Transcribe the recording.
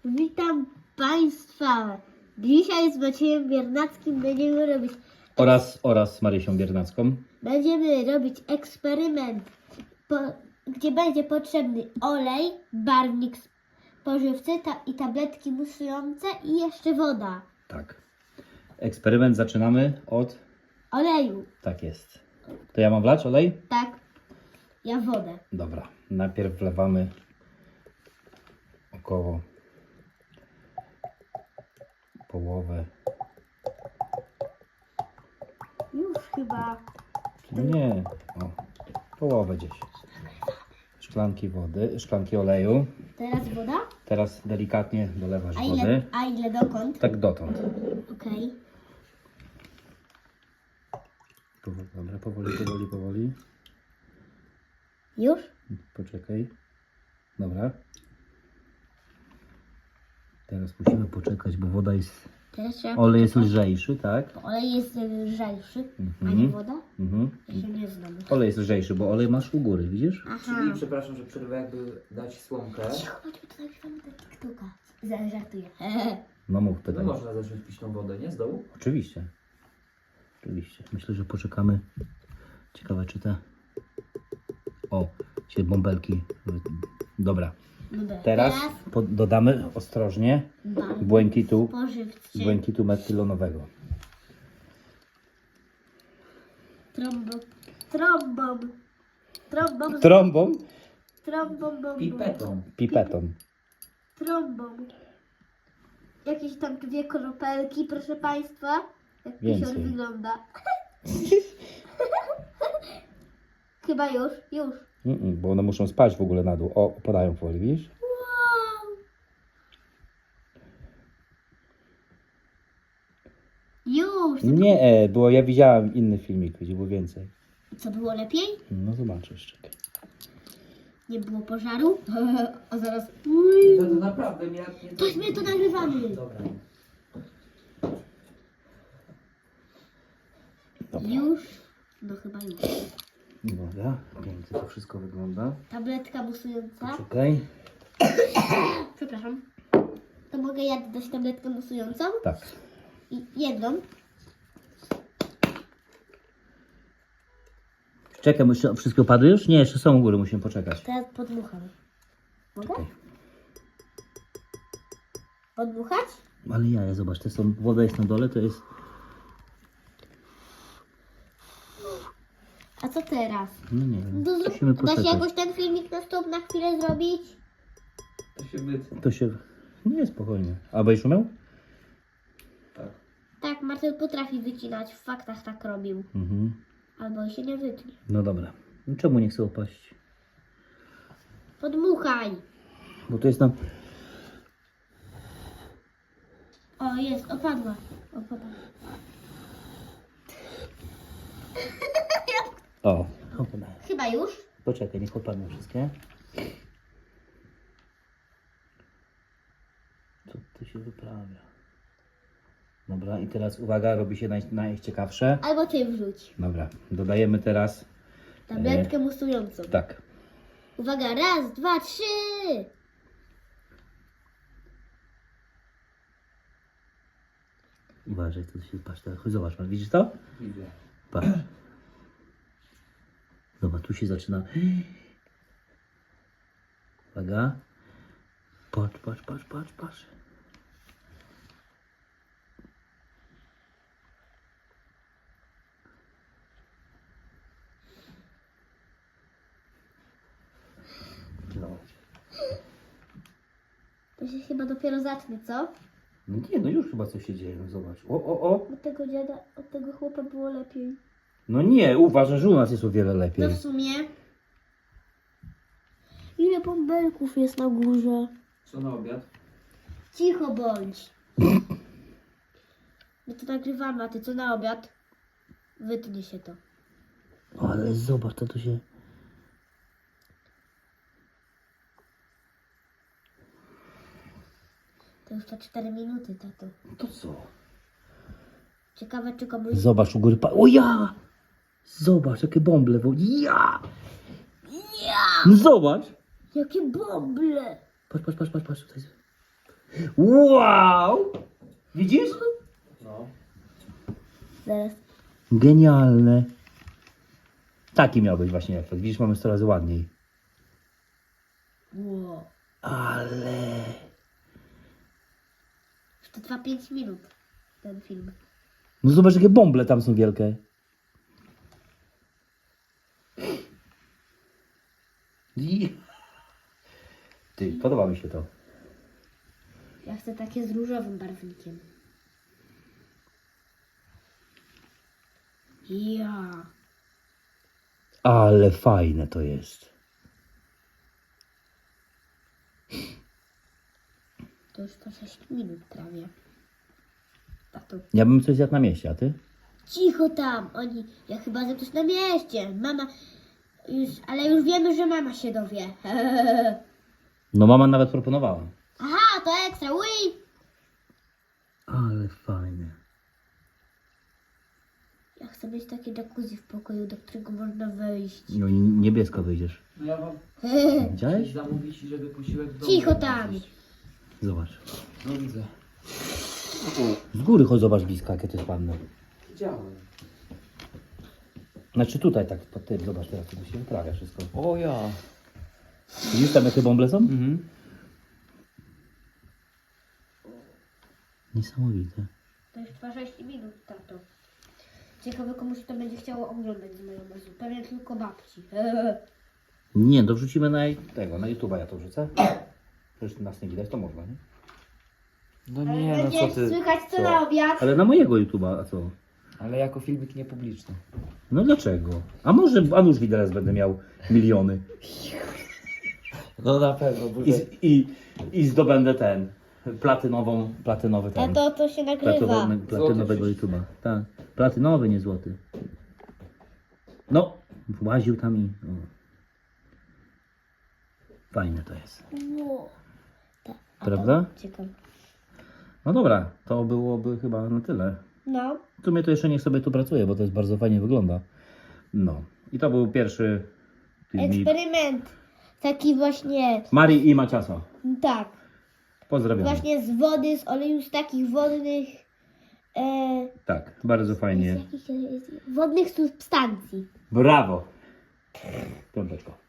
Witam Państwa. Dzisiaj z Maciejem Biernackim będziemy robić Oraz Marysią Biernacką. eksperyment, gdzie będzie potrzebny olej, barwnik spożywczy i tabletki musujące i jeszcze woda. Tak. Eksperyment zaczynamy od... Oleju. Tak jest. To ja mam wlać olej? Tak. Ja wodę. Dobra. Najpierw wlewamy około połowę. Już chyba. No nie. O, połowę gdzieś. Szklanki oleju. Teraz woda? Teraz delikatnie dolewasz wody. A ile dokąd? Tak dotąd. Okej. Dobra, powoli. Już? Poczekaj. Dobra. Teraz musimy poczekać, bo woda jest... Teraz trzeba Olej jest lżejszy, tak? Olej jest lżejszy, a Mhm. nie woda? Mhm. Ja się nie znam. Olej jest lżejszy, bo olej masz u góry, widzisz? Aha. Czyli, przepraszam, że przerwę, jakby dać słomkę. Cicho, chodźmy to nagrywamy do TikToka. Żartuję. No mów, No pytaj. można zacząć pić tą wodę, nie? Z dołu? Oczywiście. Myślę, że poczekamy. Ciekawe, czy te... O, się bąbelki... Dobra. Dobra. Teraz dodamy ostrożnie Spożywczy. błękitu metylonowego. Trąbą, Pipetą. Trombą. Jakieś tam 2 kropelki, proszę Państwa. Jak Więcej. pisior wygląda. Chyba już. Bo one muszą spać w ogóle na dół. O, opadają powoli, widzisz? Wow. Już. Nie, było, ja widziałem inny filmik, gdzie było więcej. Co było lepiej? No zobaczysz, czekaj. Nie było pożaru? A zaraz... To naprawdę mnie... Tośmy to nagrywamy. Dobra. Dobra. Już? No chyba już. Dobra, pięknie to wszystko wygląda. Tabletka musująca. Czekaj. Przepraszam. To mogę ja dać tabletkę musującą? Tak. I jedną. Czekaj, wszystkie opadły już? Nie, jeszcze są u góry, musimy poczekać. Teraz podmucham. Mogę? Czekaj. Podmuchać? Ale zobacz, woda jest na dole, to jest... A co teraz? No nie wiem, Do, musimy da się poczekać. jakoś ten filmik na stop na chwilę zrobić? To się wytnie. To się... Nie, spokojnie. A będziesz umiał? Tak. Tak, Marcel potrafi wycinać. W faktach tak robił. Mhm. Albo się nie wytnie. No dobra. No czemu nie chcę opaść? Podmuchaj. Bo to jest tam... O, jest, opadła. O, opadają. Chyba już. Poczekaj, niech opadną wszystkie. Co tu się wyprawia? Dobra, i teraz uwaga, robi się najciekawsze. Albo ty wrzuć. Dobra, dodajemy teraz... Tabletkę musującą. Tak. Uwaga, 1, 2, 3. Uważaj, co się... Patrz, teraz, chodź, zobacz, widzisz to? Widzę. Patrz. Zobacz, tu się zaczyna... Uwaga. Patrz. No. To się chyba dopiero zacznie, co? No nie, no już chyba coś się dzieje, no zobacz. O. Od tego dziada, od tego chłopa było lepiej. No nie, uważaj, że u nas jest o wiele lepiej. No w sumie. Ile bąbelków jest na górze? Co na obiad? Cicho bądź. My to nagrywamy, a ty co na obiad? Wytnie się to. Ale zobacz, to tu się... To już to 4 minuty, tato. To co? Ciekawe, czy komuś... Zobacz u góry, o ja! Zobacz, jakie bąble, ja! No zobacz! Jakie bąble! Patrz, tutaj. Wow! Widzisz? No. Zaraz. Genialne. Taki miał być właśnie efekt. Widzisz, mamy 100 razy ładniej. Wow. Ale... To trwa 5 minut, ten film. No zobacz, jakie bąble tam są wielkie. Ty, podoba mi się to. Ja chcę takie z różowym barwnikiem. Ja. Ale fajne to jest. To już po 6 minut prawie. Tato. Ja bym coś zjadł na mieście, a ty? Cicho tam, oni, ja chyba za coś na mieście. Mama, ale już wiemy, że mama się dowie. No mama nawet proponowała. Aha, to ekstra, uj! Ale fajne. Ja chcę mieć takie jacuzzi w pokoju, do którego można wejść. No i niebiesko wyjdziesz. No ja mam Widziałeś? zamówić, żeby posiłek w domu Cicho tam. zjeść. Zobacz. No widzę. Z góry chodź, zobacz blisko, jakie to jest ładne. Widziałem. Znaczy tutaj tak, pod tym, zobacz teraz, to się wyprawia wszystko. O ja. Widzisz tam, jakie bąble są? Mhm. Niesamowite. To już trwa 6 minut, tato. Ciekawe, komuś to będzie chciało oglądać z majonezu. Pewnie tylko babci. Nie, to wrzucimy na tego, na YouTube'a ja to wrzucę. Przecież nas nie widać, to można, nie? No Ale nie, no będzie co ty. słychać co co? na obiad. Ale na mojego YouTube'a, a co? Ale jako filmik niepubliczny. No dlaczego? A może a nuż widelec będę miał miliony No na pewno, bo i zdobędę ten, platynowy ten. To się nagrywa. Platynowego YouTube'a. Tak, platynowy, nie złoty. No, właził tam i... O. Fajne to jest. Wow. A Prawda? to ciekawe. No dobra, to byłoby chyba na tyle. No. W sumie to jeszcze niech sobie tu pracuje, bo to jest bardzo fajnie wygląda. No. I to był pierwszy filmik. Eksperyment. Taki właśnie, Marii i Maciasa. tak. Pozdrawiam. Właśnie z wody, z oleju z takich wodnych, Tak, bardzo fajnie. wodnych substancji. Brawo. Piąteczko.